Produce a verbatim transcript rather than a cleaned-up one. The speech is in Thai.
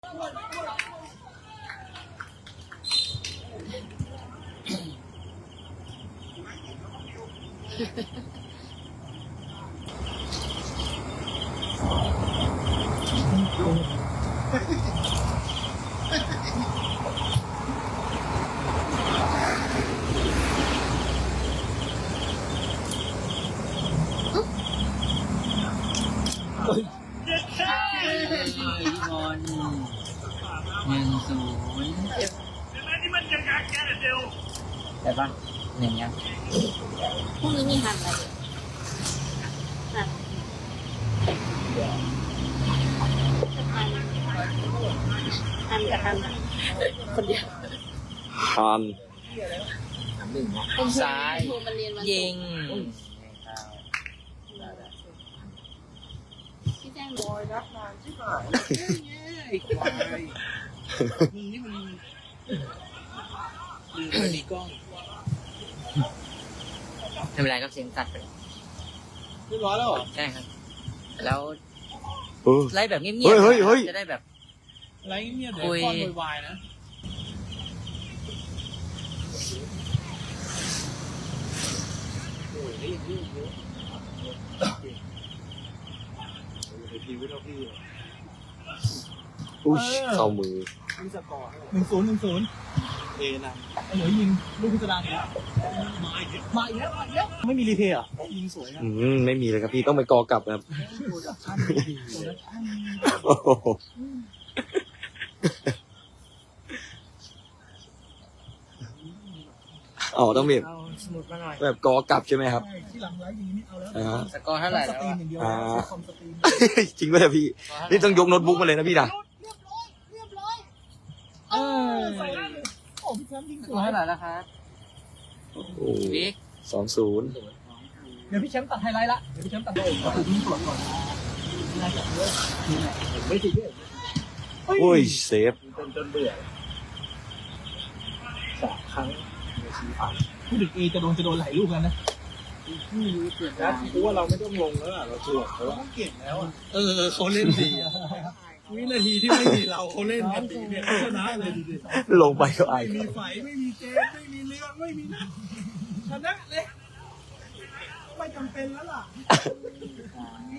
บอลหนึ่งศูนย์แต่ปะหนึ่งยังพรุ่งนี้มีหันอะไรหันหันกับหันคนเดียวฮันหนึ่งนะซ้ายยิงพี่แจ้งบอยรับงานใช่ไหมไอ้ควายมึงนี่มันลืมไปดีกล้องไม่เป็นไรครับเสียงตัดไปแล้วเรียบร้อยแล้วเหรอใช่ครับแล้วเออไล่แบบเงียบๆเฮ้ยเฮ้ยเฮ้ยจะได้แบบไรเงียบๆเดี๋ยวคุยคอนโวยวายนะโอ้ยได้ยินเยอะเยอะไอพีวิทย์พี่อุ้ยเข้ามือมีสกอร์หนึ่งศูนย์หนึ่งศูนย์เอนะไอเหลือยิงลูกพิจารณาเนี่ยมาอีกแล้วมาอีกแล้วมาอีกแล้วไม่มีรีเพย์อ่ะยิงสวยนะอืมไม่มีเลยครับพี่ต้องไปกอกลับครับโปรดักชั่นดีโปรดักชั่นโอ้โหอ๋อต้องแบบเอาสมุดมาหน่อยแบบกอกลับใช่ไหมครับใช่ที่หลังไลฟ์ยิงนี่เอาแล้วอ่าสกอร์เท่าไหร่สแล้วตรีมอะอย่างเดียวอ่าคอมสตรีมจริงไหมพี่นี่ต้องยกโน้ตบุ๊กมาเลยนะพี่นะเรียบร้อยเรียบร้อยเออใส่ได้เลยโอ้พี่แชมป์ยิงสสกวอร์ยเท่าไหร่แล้วครับโอ้บิ๊กสองศูนย์เดี๋ยวพี่แชมป์ตัดไฮไลท์ละเดี๋ยวพี่แชมป์ตัดเลยก็คือยิงสวนก่อนน่าจะเยอะไม่ติดเยอะโอ้ยเซฟจนจนเบื่อสามครั้งในชีวิตพูดถึงเอจะโดนจะโดนหลายลูกแล้วนะไม่รู้เกิดนะกูว่าเราไม่ต้องลงแล้วเราจวดเขาเก่งแล้วเออเขาเล่นดีวินาทีที่ไม่มีเราเขาเล่นกันดีเนี่ยชนะเลยดีลงไปก็อายไม่คมีรับไฟไม่มีเจมไม่มีเรือไม่มีนะชนะเลยไม่จำเป็นแล้วล่ะ